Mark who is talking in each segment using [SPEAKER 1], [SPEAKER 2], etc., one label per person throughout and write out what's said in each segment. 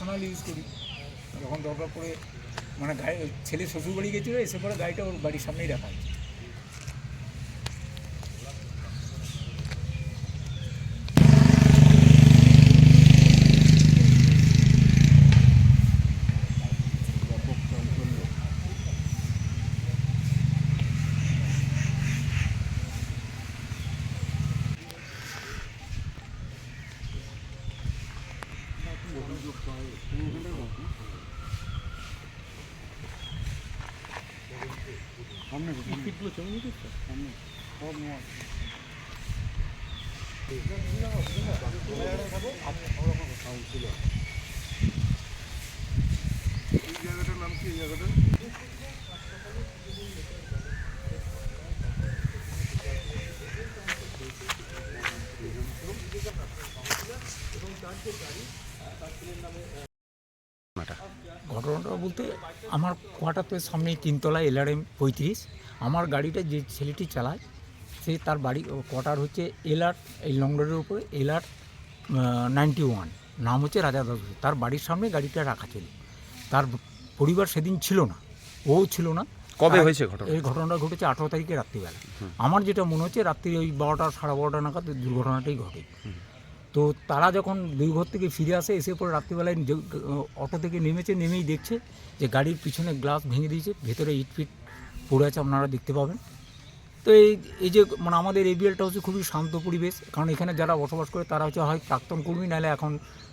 [SPEAKER 1] Normal use করি। যখন দরকার পড়ে মানে গাড়ি ছেলে শ্বশুরবাড়ি গেছিলো, এসে পরে গাড়িটা ওর বাড়ির সামনেই রাখা আছে। ঘটনাটা বলতে আমার কোয়ার্টারের সামনে 3তলা LRM 35। আমার গাড়িটা যে ছেলেটি চালায় সে তার বাড়ি কোয়ার্টার হচ্ছে LR, এই লং রোডের উপরে LR 91, নাম হচ্ছে রাজা দাস। তার বাড়ির সামনে গাড়িটা রাখা ছিল। তার পরিবার সেদিন ছিল না, ও ছিল না।
[SPEAKER 2] কবে হয়েছে ঘটনা?
[SPEAKER 1] এই ঘটনাটা ঘটেছে 18 তারিখে রাত্রিবেলা। আমার যেটা মনে হচ্ছে রাত্রি ওই 12টা সাড়ে 12টা নাগাদ দুর্ঘটনাটাই ঘটে। তো তারা যখন দুই ঘর থেকে ফিরে আসে, এসে পরে রাত্রিবেলায় অটো থেকে নেমেই দেখছে যে গাড়ির পিছনে গ্লাস ভেঙে দিয়েছে, ভেতরে ইটফিট পড়ে আছে, আপনারা দেখতে পাবেন। তো এই যে মানে আমাদের এবিএলটা হচ্ছে খুবই শান্ত পরিবেশ, কারণ এখানে যারা বসবাস করে তারা হচ্ছে হয় প্রাক্তন কর্মী, নাহলে এখন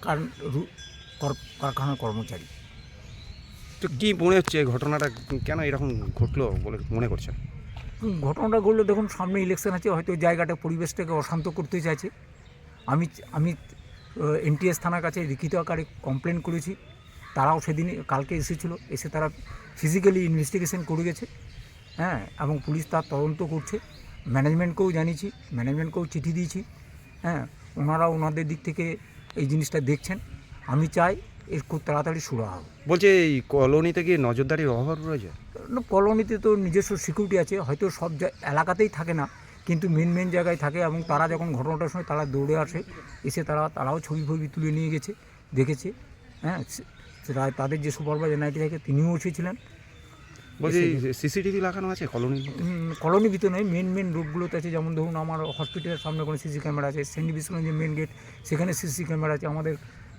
[SPEAKER 1] কারখানার কর্মচারী।
[SPEAKER 2] তো কী মনে হচ্ছে ঘটনাটা কেন এরকম ঘটলো বলে মনে করছেন?
[SPEAKER 1] ঘটনাটা ঘটলো, দেখুন সামনে ইলেকশন আছে, হয়তো জায়গাটা পরিবেশটাকে অশান্ত করতে চাইছে। আমি NTS থানার কাছে লিখিত আকারে কমপ্লেন করেছি। তারাও সেদিন কালকে এসেছিলো, এসে তারা ফিজিক্যালি ইনভেস্টিগেশন করে গেছে। হ্যাঁ, এবং পুলিশ তার তদন্ত করছে। ম্যানেজমেন্টকেও জানিয়েছি, ম্যানেজমেন্টকেও চিঠি দিয়েছি। হ্যাঁ, ওনারা ওনাদের দিক থেকে এই জিনিসটা দেখছেন। আমি চাই এর খুব তাড়াতাড়ি সুরা হবে।
[SPEAKER 2] বলছে এই কলোনিতে কি নজরদারির অভাব রয়েছে?
[SPEAKER 1] কলোনিতে তো নিজস্ব সিকিউরিটি আছে, হয়তো সব এলাকাতেই থাকে না, কিন্তু মেন জায়গায় থাকে। এবং তারা যখন ঘটনাটার সময় তারা দৌড়ে আসে, এসে তারাও ছবি তুলে নিয়ে গেছে, দেখেছে। হ্যাঁ, সেটা তাদের যে সুপারভাইজার নাইটি থাকে তিনিও এসেছিলেন।
[SPEAKER 2] বলছি CCTV লাগানো আছে
[SPEAKER 1] কলোনি ভিতরে নয়, মেন রোডগুলোতে আছে। যেমন ধরুন আমার হসপিটালের সামনে কোনো সিসি ক্যামেরা আছে, সেন্ট বিষ্ণু যে মেন গেট সেখানে সিসি ক্যামেরা আছে, আমাদের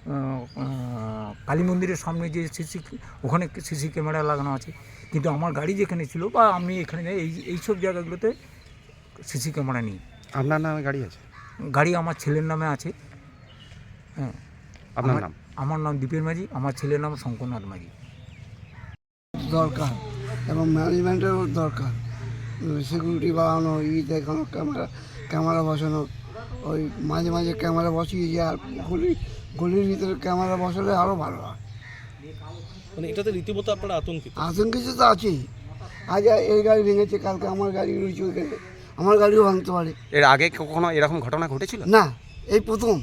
[SPEAKER 1] কালী মন্দিরের সামনে যে ওখানে সিসি ক্যামেরা লাগানো আছে। কিন্তু আমার গাড়ি যেখানে ছিল বা আমি এখানে যাই, এইসব জায়গাগুলোতে সিসি ক্যামেরা নেই।
[SPEAKER 2] আপনার নামে গাড়ি আছে?
[SPEAKER 1] গাড়ি আমার ছেলের নামে আছে। হ্যাঁ।
[SPEAKER 2] আপনার নাম?
[SPEAKER 1] আমার নাম দীপের মাঝি, আমার ছেলের নাম শঙ্করনাথ মাঝি।
[SPEAKER 3] দরকার এবং ম্যানেজমেন্টেরও দরকার, সিকিউরিটি বাড়ানো, দেখানো, ক্যামেরা বসানো। ওই মাঝে ক্যামেরা বসিয়েছি, আর গলির ভিতরে ক্যামেরা বসালে আরও ভালো হয়।
[SPEAKER 4] মানে এটাতে রীতিমতো আপনারা আতঙ্কিত?
[SPEAKER 3] আতঙ্কিত তো আছেই। আজ এই গাড়ি ভেঙেছে, কালকে আমার গাড়ি রয়েছে ওইখানে, আমার গাড়িও ভাঙতে পারে।
[SPEAKER 2] এর আগে কখনো এরকম ঘটনা ঘটেছিল?
[SPEAKER 3] না, এই প্রথম।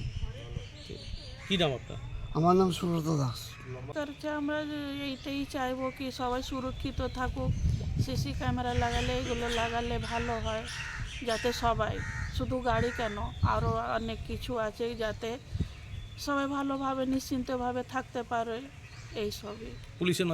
[SPEAKER 4] কী নাম আপনার?
[SPEAKER 3] আমার নাম সুব্রত দাস।
[SPEAKER 5] আমরা এইটাই চাইবো কি সবাই সুরক্ষিত থাকুক। সিসি ক্যামেরা এগুলো লাগালে ভালো হয়, যাতে সবাই, শুধু গাড়ি কেন, আরও অনেক কিছু আছে, যাতে সবাই ভালোভাবে নিশ্চিন্তভাবে থাকতে পারে। এইসবই
[SPEAKER 4] পুলিশের